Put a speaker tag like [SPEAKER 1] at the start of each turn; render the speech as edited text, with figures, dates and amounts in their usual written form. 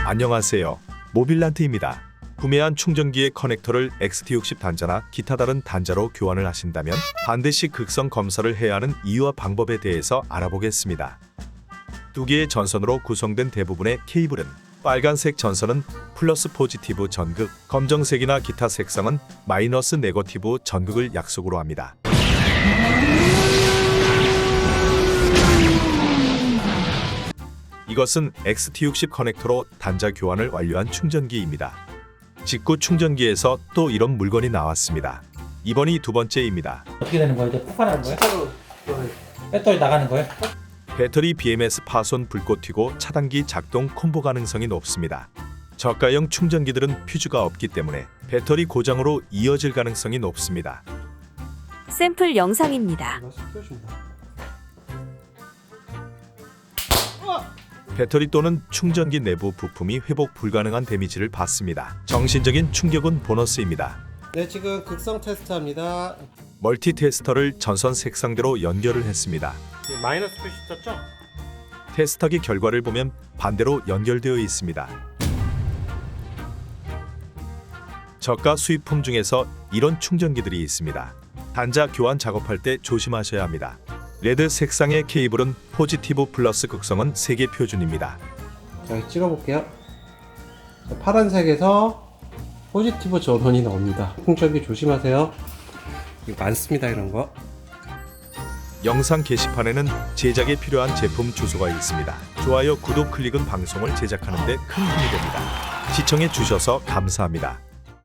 [SPEAKER 1] 안녕하세요. 모빌란트입니다. 구매한 충전기의 커넥터를 XT60 단자나 기타 다른 단자로 교환을 하신다면 반드시 극성 검사를 해야 하는 이유와 방법에 대해서 알아보겠습니다. 두 개의 전선으로 구성된 대부분의 케이블은 빨간색 전선은 플러스 포지티브 전극, 검정색이나 기타 색상은 마이너스 네거티브 전극을 약속으로 합니다. 이것은 XT60 커넥터로 단자 교환을 완료한 충전기입니다. 직구 충전기에서 또 이런 물건이 나왔습니다. 이번이 두 번째입니다.
[SPEAKER 2] 어떻게 되는 거예요? 이제 폭발하는 거예요? 배터리 나가는 거예요?
[SPEAKER 1] 배터리 BMS 파손 불꽃 튀고 차단기 작동 콤보 가능성이 높습니다. 저가형 충전기들은 퓨즈가 없기 때문에 배터리 고장으로 이어질 가능성이 높습니다.
[SPEAKER 3] 샘플 영상입니다.
[SPEAKER 1] 배터리 또는 충전기 내부 부품이 회복 불가능한 데미지를 받습니다. 정신적인 충격은 보너스입니다.
[SPEAKER 4] 네, 지금 극성 테스트합니다.
[SPEAKER 1] 멀티 테스터를 전선 색상대로 연결을 했습니다.
[SPEAKER 4] 마이너스 표시 떴죠?
[SPEAKER 1] 테스터기 결과를 보면 반대로 연결되어 있습니다. 저가 수입품 중에서 이런 충전기들이 있습니다. 단자 교환 작업할 때 조심하셔야 합니다. 레드 색상의 케이블은 포지티브 플러스 극성은 세계 표준입니다.
[SPEAKER 4] 자, 찍어볼게요. 자, 파란색에서 포지티브 전원이 나옵니다. 충전기 조심하세요. 이거 많습니다, 이런 거.
[SPEAKER 1] 영상 게시판에는 제작에 필요한 제품 주소가 있습니다. 좋아요, 구독, 클릭은 방송을 제작하는 데 큰 힘이 됩니다. 시청해 주셔서 감사합니다.